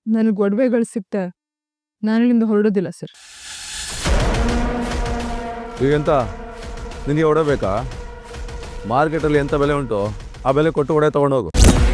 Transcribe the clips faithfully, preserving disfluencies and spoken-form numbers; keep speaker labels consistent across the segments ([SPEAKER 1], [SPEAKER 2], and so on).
[SPEAKER 1] ನನಗೆ ಒಡವೆಗಳು ಸಿಗ್ತೆ ನಾನು ಇಲ್ಲಿಂದ ಹೊರಡೋದಿಲ್ಲ ಸರ್.
[SPEAKER 2] ಈಗೆಂತ ನಿನಗೆ ಒಡವೆ ಬೇಕಾ? ಮಾರ್ಕೆಟಲ್ಲಿ ಎಂಥ ಬೆಲೆ ಉಂಟು ಆ ಬೆಲೆ ಕೊಟ್ಟು ಒಡವೆ ತೊಗೊಂಡೋಗು.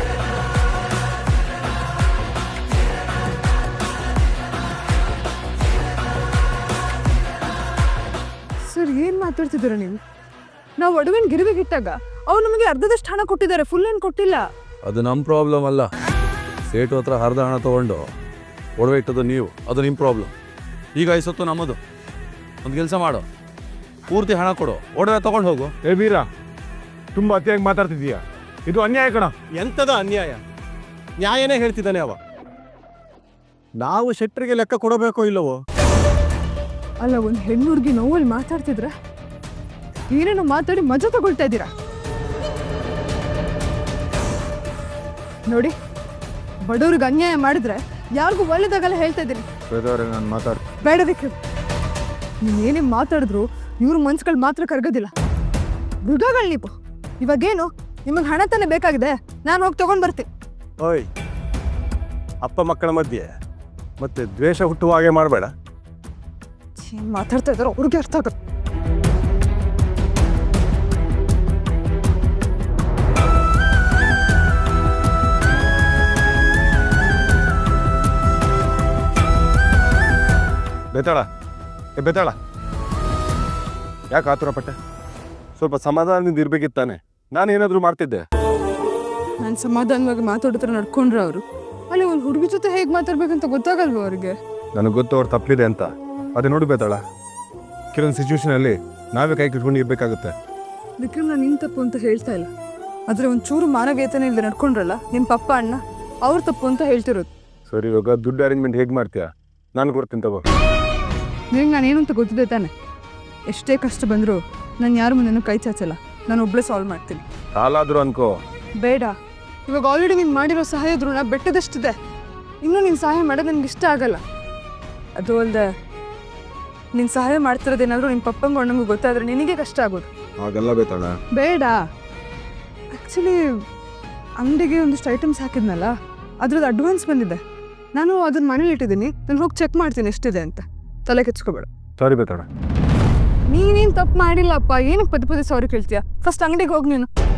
[SPEAKER 1] ಸರ್ ಏನು ಮಾತಾಡ್ತಿದ್ದೀರಾ ನೀವು? ನಾವು ಒಡವೆನ ಗಿರಿವಿಗಿಟ್ಟಾಗ ಅವ್ರು ನಮಗೆ ಅರ್ಧದಷ್ಟು ಹಣ ಕೊಟ್ಟಿದ್ದಾರೆ, ಫುಲ್ ಏನು ಕೊಟ್ಟಿಲ್ಲ.
[SPEAKER 2] ಅದು ನಮ್ಮ ಪ್ರಾಬ್ಲಮ್ ಅಲ್ಲ. ಸೇಟು ಹತ್ರ ಅರ್ಧ ಹಣ ತೊಗೊಂಡು ಒಡವೆ ಇಟ್ಟದ್ದು ನೀವು, ಅದು ನಿಮ್ಮ ಪ್ರಾಬ್ಲಮ್. ಈಗ ಐಸೊತ್ತು ನಮ್ಮದು. ಒಂದು ಕೆಲಸ ಮಾಡು, ಪೂರ್ತಿ ಹಣ ಕೊಡು, ಒಡವೆ ತೊಗೊಂಡು ಹೋಗು.
[SPEAKER 3] ಏ ವೀರ, ತುಂಬ ಅತಿಯಾಗಿ ಮಾತಾಡ್ತಿದ್ದೀಯಾ. ಇದು ಅನ್ಯಾಯ ಕಣ.
[SPEAKER 4] ಎಂಥದ ಅನ್ಯಾಯ? ನ್ಯಾಯನೇ ಹೇಳ್ತಿದ್ದಾನೆ ಅವ. ನಾವು ಶೆಟ್ಟರಿಗೆ ಲೆಕ್ಕ ಕೊಡಬೇಕೋ ಇಲ್ಲವೋ?
[SPEAKER 1] ಅಲ್ಲ, ಒಂದು ಹೆಣ್ಣು ಹುಡುಗಿ ನೋವಲ್ಲಿ ಮಾತಾಡ್ತಿದ್ರ ಏನೇನೋ ಮಾತಾಡಿ ಮಜಾ ತಗೊಳ್ತಾ ಇದ್ದೀರಾ ನೋಡಿ. ಬಡವ್ರಿಗೆ ಅನ್ಯಾಯ ಮಾಡಿದ್ರೆ ಯಾರಿಗೂ ಒಳ್ಳೇದಾಗಲ್ಲ ಹೇಳ್ತಾ ಇದ್ದೀನಿ.
[SPEAKER 3] ನಾನು ಮಾತಾಡ್
[SPEAKER 1] ಬೇಡ ವಿಕ್ರಮ್, ನೀವೇನೇ ಮಾತಾಡಿದ್ರು ಇವ್ರ ಮನ್ಸುಗಳು ಮಾತ್ರ ಕರಗೋದಿಲ್ಲ. ಮೃಗಗಳು ನೀವು. ಇವಾಗೇನು ನಿಮಗೆ ಹಣ ತಾನೇ ಬೇಕಾಗಿದೆ, ನಾನು ಹೋಗಿ ತಗೊಂಡು ಬರ್ತೀನಿ.
[SPEAKER 4] ಓಯ್, ಅಪ್ಪ ಮಕ್ಕಳ ಮಧ್ಯೆ ಮತ್ತೆ ದ್ವೇಷ ಹುಟ್ಟುವ ಹಾಗೆ ಮಾಡಬೇಡ.
[SPEAKER 1] ಏನು ಮಾತಾಡ್ತಾ ಇದ್ದಾರೋ ಅವ್ರಿಗೆ ಅರ್ಥ ಆಗುತ್ತೆ.
[SPEAKER 4] ಬೇತಾಳ, ಏ ಬೇತಾಳ, ಯಾಕೆ ಆತುರ ಪಟ್ಟೆ? ಸ್ವಲ್ಪ ಸಮಾಧಾನದಿಂದ ಇರ್ಬೇಕಿತ್ತಾನೆ. ನಾನು ಏನಾದರೂ ಮಾಡ್ತಿದ್ದೆ.
[SPEAKER 1] ನಾನು ಸಮಾಧಾನವಾಗಿ ಮಾತಾಡಿದ್ರೆ ನಡ್ಕೊಂಡ್ರೆ ಅವರು ಅಲ್ಲಿ ಒಂದು ಹುಡುಗಿ ಜೊತೆ ಹೇಗೆ ಮಾತಾಡ್ಬೇಕಂತ ಗೊತ್ತಾಗಲ್ವ ಅವ್ರಿಗೆ?
[SPEAKER 4] ನನಗೆ ಗೊತ್ತು ಅವ್ರು ತಪ್ಪಿದೆ ಅಂತ. ಅದೇ ನೋಡಿ ಬೇತಾಳ, ಕೆಲವೊಂದು ಸಿಚುವೇಶನಲ್ಲಿ ನಾವೇ ಕೈ ಕಿಟ್ಕೊಂಡು ಇರಬೇಕಾಗುತ್ತೆ.
[SPEAKER 1] ವಿಕ್ರಮ್, ನಾನು ನಿನ್ನ ತಪ್ಪು ಅಂತ ಹೇಳ್ತಾ ಇಲ್ಲ, ಆದರೆ ಒಂದು ಚೂರು ಮಾನವೀಯತೆನೇ ಇಲ್ಲದೆ ನಡ್ಕೊಂಡ್ರಲ್ಲ ನಿಮ್ಮ ಪಪ್ಪ ಅಣ್ಣ, ಅವ್ರ ತಪ್ಪು ಅಂತ ಹೇಳ್ತಿರೋದು.
[SPEAKER 4] ಸರಿ, ಇವಾಗ ದುಡ್ಡು ಅರೇಂಜ್ಮೆಂಟ್ ಹೇಗೆ ಮಾಡ್ತೀಯಾ? ನಾನು ಕೊಡ್ತೀನಿ ತಗೋ.
[SPEAKER 1] ನಿನಗೆ ನಾನೇನು ಅಂತ ಗೊತ್ತಿದೆ ತಾನೆ? ಎಷ್ಟೇ ಕಷ್ಟ ಬಂದರೂ ನಾನು ಯಾರ ಮುಂದೆನೂ ಕೈ ಚಾಚಲ್ಲ, ನಾನು ಒಬ್ಬಳೇ ಸಾಲ್ವ್ ಮಾಡ್ತೀನಿ.
[SPEAKER 4] ಸಾಲಾದರೂ ಅನ್ಕೋ.
[SPEAKER 1] ಬೇಡ, ಇವಾಗ ಆಲ್ರೆಡಿ ನೀನು ಮಾಡಿರೋ ಸಹಾಯ ಋಣ ಬೆಟ್ಟದಷ್ಟಿದೆ. ಇನ್ನೂ ನೀನು ಸಹಾಯ ಮಾಡೋದು ನನಗೆ ಇಷ್ಟ ಆಗಲ್ಲ. ಅದು ಅಲ್ಲದೆ ನೀನು ಸಹಾಯ ಮಾಡ್ತಿರೋದೇನಾದರೂ ನಿಮ್ಮ ಪಪ್ಪಂಗೆ ಅಣ್ಣಂಗೂ ಗೊತ್ತಾದರೆ ನಿನಗೆ ಕಷ್ಟ ಆಗೋದು.
[SPEAKER 4] ಹಾಗೆಲ್ಲ ಬೇತಾಳ.
[SPEAKER 1] ಬೇಡ. ಆ್ಯಕ್ಚುಲಿ ಅಂಗಡಿಗೆ ಒಂದಿಷ್ಟು ಐಟಮ್ಸ್ ಹಾಕಿದ್ನಲ್ಲ, ಅದ್ರದ್ದು ಅಡ್ವಾನ್ಸ್ ಬಂದಿದೆ. ನಾನು ಅದನ್ನ ಮನೇಲಿ ಇಟ್ಟಿದ್ದೀನಿ, ನಾನು ಹೋಗಿ ಚೆಕ್ ಮಾಡ್ತೀನಿ ಎಷ್ಟಿದೆ ಅಂತ. ತಲೆ ಕೆಚ್ಕೋಬೇಡ.
[SPEAKER 4] ಸಾರಿ ಬೇತಾಳ.
[SPEAKER 1] ನೀನೇನು ತಪ್ಪು ಮಾಡಿಲ್ಲಪ್ಪ, ಏನಕ್ಕೆ ಪದೇ ಪದೇ ಸಾರಿ ಕೇಳ್ತೀಯ? ಫಸ್ಟ್ ಅಂಗಡಿಗೆ ಹೋಗಿ ನೀನು.